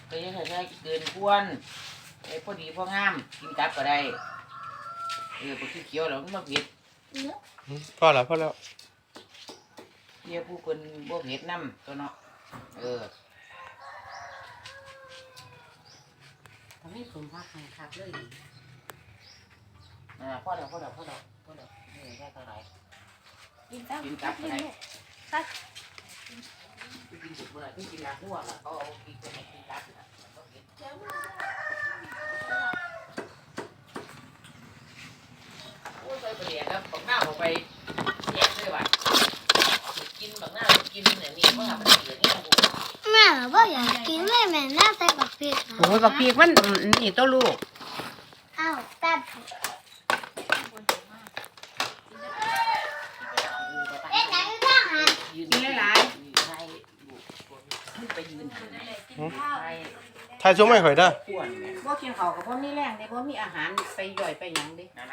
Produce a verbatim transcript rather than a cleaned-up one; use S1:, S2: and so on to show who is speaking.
S1: ก็ยังใส่เกินควรไอ้พอดีพองามกินกับก็ได้เออพวกเขียวๆแล้วมันบ่เผ็ด
S2: พอแล้วพอแล้ว
S1: เฮียผู้คนบ่เผ็ดน้ำตัวเนาะเออ
S3: ทำให้สมภาคแข่งขับเลย
S1: อ่าพ่อเดี๋ยวพ่อเดี๋ยวพ่อเดี๋ยวพ่อเดี๋ยวนี่ได้เท่าไหร่
S4: กินกับ
S1: กินกับก็ได้
S4: ซัก
S1: กินสุกเมื่อกินน้ำทั่วล่ะเขาเอากินไปให้กินกับน่ะบ่เผ็ดโอ้ยใส่ไปเรียนแล้วบักหน้าออกไปแยกเลยว่ะกินบักหน้ากินเนี่ยนี่เพราะว่ามันเหลือนี่นะผม
S5: แม่ว่าอยากกินแม่แม่น่าใส่บักพริก
S3: โอ้ยบักพีกมันนี่ตัวลูก
S5: อ้าวแป๊บเอ๊ะไหนก็หัน
S1: ยืน
S3: กินหลาย
S1: ๆใช่ลูกขึ้นไปยืนหันใช่
S2: ทายช่วงไม่ข่อยเด้อ
S1: ขวนแม่
S3: ๆบ่กินข้าวกับบ่มีแรงเด้บ่มีอาหารไปย่อยไปหยังเด้